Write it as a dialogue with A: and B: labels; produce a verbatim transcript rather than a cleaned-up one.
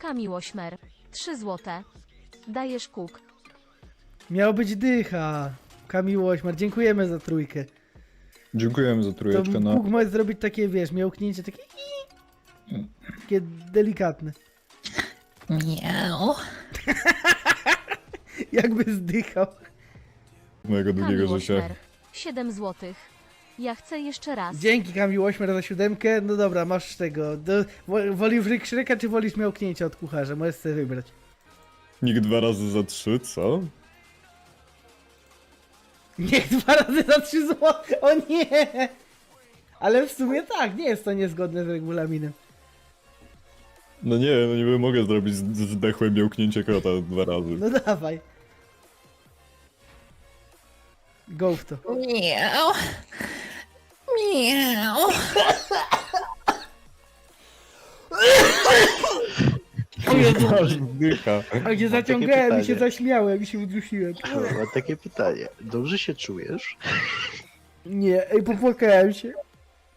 A: Kamil Ośmer. trzy złote. Dajesz kuk.
B: Miał być dycha. Kamil Ośmar, dziękujemy za trójkę.
C: Dziękujemy za
B: To
C: trójeczkę, no.
B: Bóg może zrobić takie, wiesz, miałknięcie takie... Takie delikatne.
D: Miau.
B: Jakby zdychał.
C: Mojego długiego
A: Kamil
C: życia.
A: Ośmer. siedem złotych. Ja chcę jeszcze raz.
B: Dzięki Kamil Ośmar za siódemkę. No dobra, masz tego. Do, wo- wolisz ryk szreka, czy wolisz miałknięcie od kucharza? Możesz sobie wybrać.
C: Nikt dwa razy za trzy, co?
B: Nie, dwa razy za trzy złote. O nie! Ale w sumie tak, nie jest to niezgodne z regulaminem.
C: No nie, no nie mogę zrobić z- zdechłe miałknięcie kota dwa razy.
B: No dawaj. Go w to.
D: Miau. Miau.
B: O Jezu,
C: Aż wdycha.
B: a gdzie zaciągałem i się zaśmiałem i się udusiłem.
E: Mam takie pytanie. Dobrze się czujesz?
B: Nie, ej, popłakałem się.